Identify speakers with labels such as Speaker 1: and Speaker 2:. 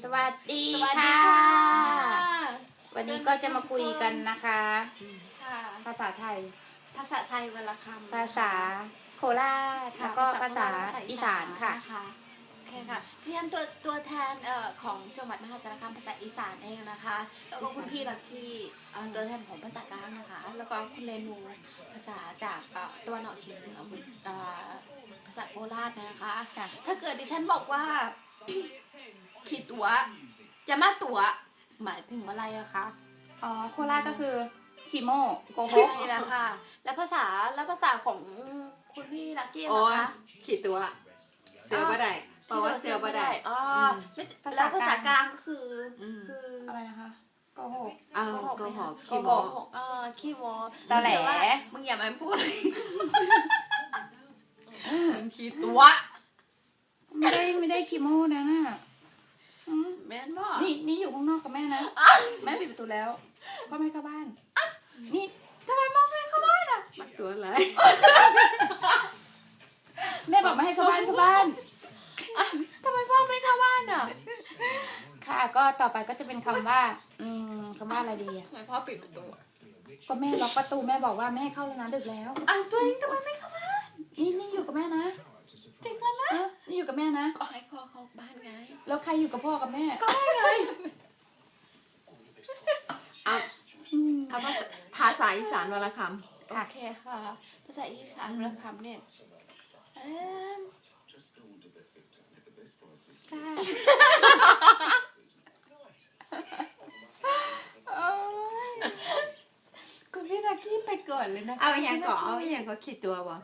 Speaker 1: สวัสดี
Speaker 2: สวัสดี
Speaker 1: ค่ะ
Speaker 2: ค่ะ
Speaker 1: วันนี้ก็จะมาคุยกันนะคะ
Speaker 2: ค่ะ
Speaker 1: ภาษาไทย
Speaker 2: ภาษาไทยวันละคำ
Speaker 1: ภาษาโคราช แล้วก็ภาษาอีสานค่ะ
Speaker 2: โอเคค่ะที่ฉันตัวแทนของจังหวัดมหาสารคามภาษาอีสานเองนะคะ แล้วก็คุณพี่ลักกี้ตัวแทนของภาษากลางนะคะ แล้วก็คุณเรนูภาษาจากตะวันออกเฉียงเหนือภาษาโคราชนะคะ
Speaker 1: ค่ะ
Speaker 2: ถ้าเกิดดิฉันบอกว่า ขีดตัวจะมาตัวหมายถึงอะไรอะคะ
Speaker 1: อ๋อ โคราชก็คือขีโมโกหก
Speaker 2: ใช่นะคะ แล้วภาษาของคุณพี่ลักกี้
Speaker 3: โอ้
Speaker 2: นะ
Speaker 3: ย
Speaker 2: คะ
Speaker 3: ขีดตัวเซลบ่ได้เพราะว่าเซลบ่ได้
Speaker 2: อ๋อไม่ใช่แล้วภาษากลางก็คืออ
Speaker 3: ม
Speaker 2: คือ
Speaker 1: อะไรนะคะโกหก
Speaker 3: อ้าวโกหกขี้
Speaker 2: โก
Speaker 3: โม
Speaker 2: หกขี้โม
Speaker 1: ตอแหล
Speaker 2: มึงอย่ามาพูด
Speaker 3: มึงขีด
Speaker 2: ตัว
Speaker 1: ไม่ได้ขีโมนะน่ะอืม
Speaker 2: แม่นบ่
Speaker 1: นี่อยู่ข้างนอกกับแม่นะ แม่ปิดประตูแล้วพ่อแม่เข้าบ้าน นี่
Speaker 2: ทำไมมองไม่เข้าบ้านอ่ะ
Speaker 3: มักตัวอะไร
Speaker 1: แม่บอกไม่ให้เข้าบ้านเข้าบ้าน
Speaker 2: ทำไมพ่อไม่เข้าบ้านอ่ะ
Speaker 1: ค่ะ ก็ต่อไปก็จะเป็นคำว่า คำว่าอะไรดีอะ
Speaker 2: ทำไมพ่อปิดประตูอะ
Speaker 1: ก็แม่ล็อกประตูแม่บอกว่าไม่ให้เข้าแล้วนะดึกแล้ว
Speaker 2: ตัวเองทำไมไม่เข้าบ้าน
Speaker 1: นี่อยู่กับแม่นะ
Speaker 2: จริงแล้วนะ
Speaker 1: นี่อยู่กับแม่นะ
Speaker 2: ก็ให้พ่อเข้าบ้านไง
Speaker 1: แล้วใครอยู่กับพ่อกับแม่
Speaker 2: ก็ให้ไง
Speaker 3: เอา
Speaker 1: อืม
Speaker 3: เอาภาษาอีสานวันละค
Speaker 2: โอเคค่ะ ภาษาอีสานวรรณคำเนี่ยเอิ่ม
Speaker 1: ค่ะโอ้ย
Speaker 2: คุณพี่ลักกี้ไปก่อนเลยนะ
Speaker 3: ำ
Speaker 2: คะ
Speaker 3: เอาอย่างก็ขีดตัวบ่